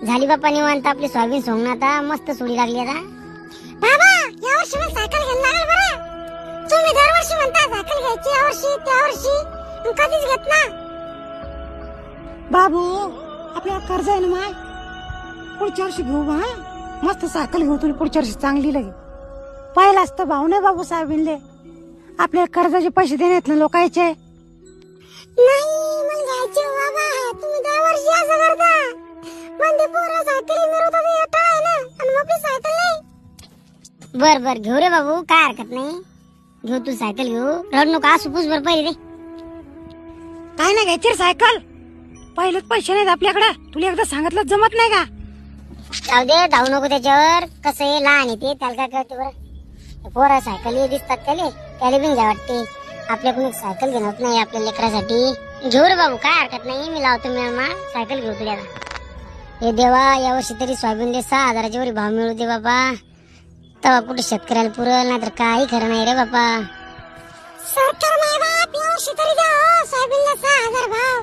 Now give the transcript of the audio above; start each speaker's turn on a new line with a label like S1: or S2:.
S1: झाली बाप्पा निवांत आपली सोयाबीन सोंगणं आता मस्त सोडी लागली आता. बाबा या वर्षी मला सायकल घ्यायला लागेल बरं. तुम्ही दरवर्षी म्हणता सायकल घ्यायची या वर्षी त्या वर्षी, पण कधीच घेत ना.
S2: बाबू आपल्याला कर्ज आहे ना माय, पुढच्या वर्षी घेऊ बा. मस्त सायकल घेऊ तुला पुढच्या वर्षी चांगली लगे. पहिलाच तर भाऊ नाही बाबू साहेबिनले आपल्याला कर्जाचे पैसे देण्यात ना लोकांचे.
S1: नाही मला घ्यायचे बाबा. तुम्ही दरवर्षी असं करता. पण ते पोरं सायकली मिरवतात हे अटळ आहे ना, आणि मग आपली सायकल नाही. बर बर घेऊ रे बाबू, काय हरकत नाही. घेऊ तू सायकल घेऊ, रड नको असू पुस बर पहिले रे.
S2: काय नाही घ्यायची रे सायकल, पहिलेच पैसे नाहीत आपल्याकडे. तुला एकदा सांगितलं जमत नाही का?
S1: जाऊ दे, धावू नको त्याच्यावर. कसं आहे लहान येते त्याला काय कळते बरं. पोरं सायकल दिसतात त्याला बिन घ्या वाटते. आपल्याकडून एक सायकल घेणं होत नाही आपल्या लेकरासाठी. घेऊ रे बाबू, काय हरकत नाही. मी लावतो मिळमा सायकल घेऊ तुला. हे देवा यावर्षी तरी सोयाबीनले 6,000च्या वर भाव मिळू दे बाबा. तेव्हा कुठे शेतकऱ्याला पुरल, नाहीतर काही खरं नाही रे बाबा. सरकार